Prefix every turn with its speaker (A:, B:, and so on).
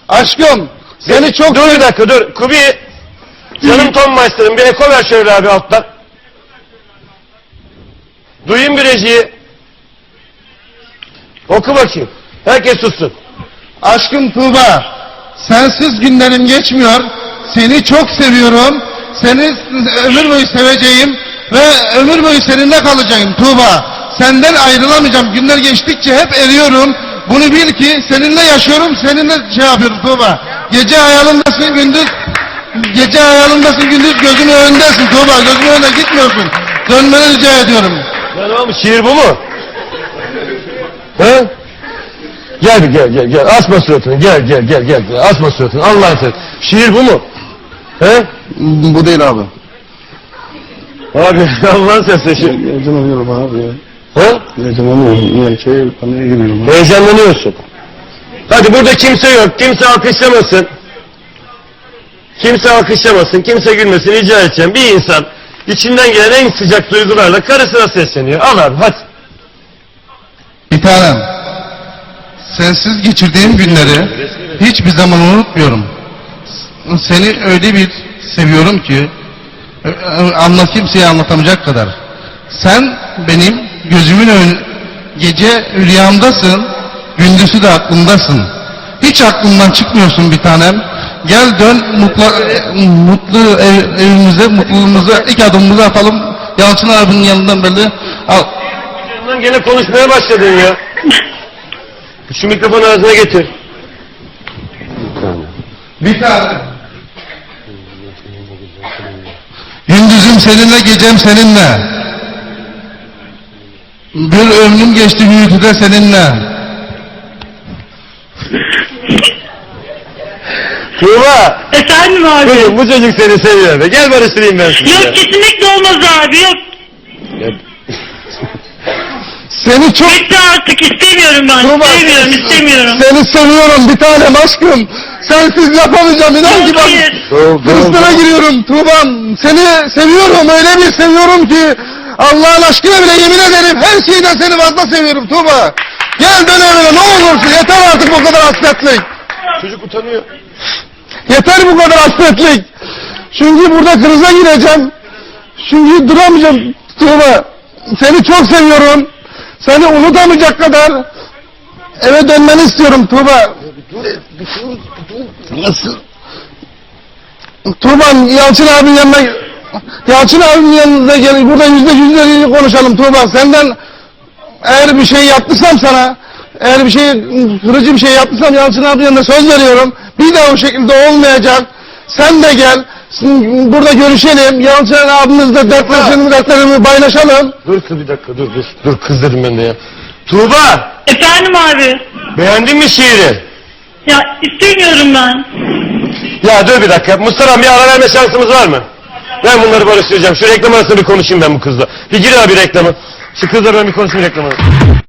A: Aşkım, seni çok...
B: Dur bir dakika dur. Kubi, canım Tom Meister'ım bir eko ver şöyle abi alttan. Duyayım bir rejiyi. Oku bakayım. Herkes sussun.
A: Aşkım Tuğba, sensiz günlerim geçmiyor. Seni çok seviyorum. Seni ömür boyu seveceğim ve ömür boyu seninle kalacağım Tuğba. Senden ayrılamayacağım. Günler geçtikçe hep eriyorum. Bunu bil ki seninle yaşıyorum, seninle şey yapıyorum Tuğba. Gece hayalindasın, gündüz gözümün önündesin Tuğba. Gözümün önüne gitmiyorsun. Dönmeni rica ediyorum.
B: Ya ne olmuş? Şiir bu mu? He? Gel. Asma suratını. Gel. Asma suratını. Allah'ın sen. Şiir bu mu? He?
A: Bu değil abi.
B: Abi Allah'ın sesi.
A: Heyecanlanıyorum abi ya.
B: He?
A: Heyecanlanıyorum. Paniğe giriyorum.
B: Heyecanlanıyorsun. Hadi burada kimse yok. Kimse alkışlamasın. Kimse gülmesin. Rica edeceğim. Bir insan içinden gelen en sıcak duygularla karısına sesleniyor. Al abi hadi.
A: Bir tanem, sensiz geçirdiğim günleri hiçbir zaman unutmuyorum. Seni öyle bir seviyorum ki kimseye anlatamayacak kadar. Sen benim gözümün gece rüyamdasın, gündüzü de aklımdasın. Hiç aklımdan çıkmıyorsun bir tanem. Gel dön mutlu evimize, mutluluğumuza ilk adımımızı atalım. Yalçın abinin yanından böyle al.
B: Gene konuşmaya başladın ya. Şu mikrofonu ağzına getir.
A: Bir tane. Gündüzüm seninle, gecem seninle. Bir ömrüm geçti hüyütüde seninle.
B: Tuğba.
C: Efendim abi.
B: Kızım bu çocuk seni seviyor be. Gel barıştırayım ben sizi.
C: Yok kesinlikle olmaz abi yok.
A: Seni çok...
C: Bitti artık istemiyorum ben.
A: Tuğba,
C: İstemiyorum.
A: Seni seviyorum bir tanem aşkım. Sensiz yapamayacağım inan ki bak. Kırıstına giriyorum Tuğba'm. Seni seviyorum öyle bir seviyorum ki. Allah'ın aşkına bile yemin ederim her şeyden seni fazla seviyorum Tuğba. Gel dön evine ne olursun yeter artık bu kadar hasretlik.
B: Çocuk utanıyor.
A: Yeter bu kadar hasretlik. Çünkü burada krize gireceğim. Çünkü duramayacağım Tuğba. Seni çok seviyorum. Seni unutamayacak kadar eve dönmeni istiyorum Tuğba. Nasıl? Tuğba Yalçın abinin yanına gel. Burada yüzde konuşalım Tuğba. Senden eğer bir şey yaptıysam sana, eğer bir şey kırıcı bir şey yaptıysam Yalçın abinin yanına söz veriyorum. Bir daha o şekilde olmayacak. Sen de gel. Burada görüşelim. Yalçın abimizle dertlerimi paylaşalım.
B: Dur bir dakika dur. Dur kız dedim ben de ya. Tuğba.
C: Efendim abi.
B: Beğendin mi şiiri?
C: Ya istemiyorum ben.
B: Ya dur bir dakika. Mustafa bir ara verme şansımız var mı? Ben bunları barıştıracağım. Şu reklam arasında bir konuşayım ben bu kızla. Bir gir abi reklama. Şu kızla ben bir konuşayım reklamı.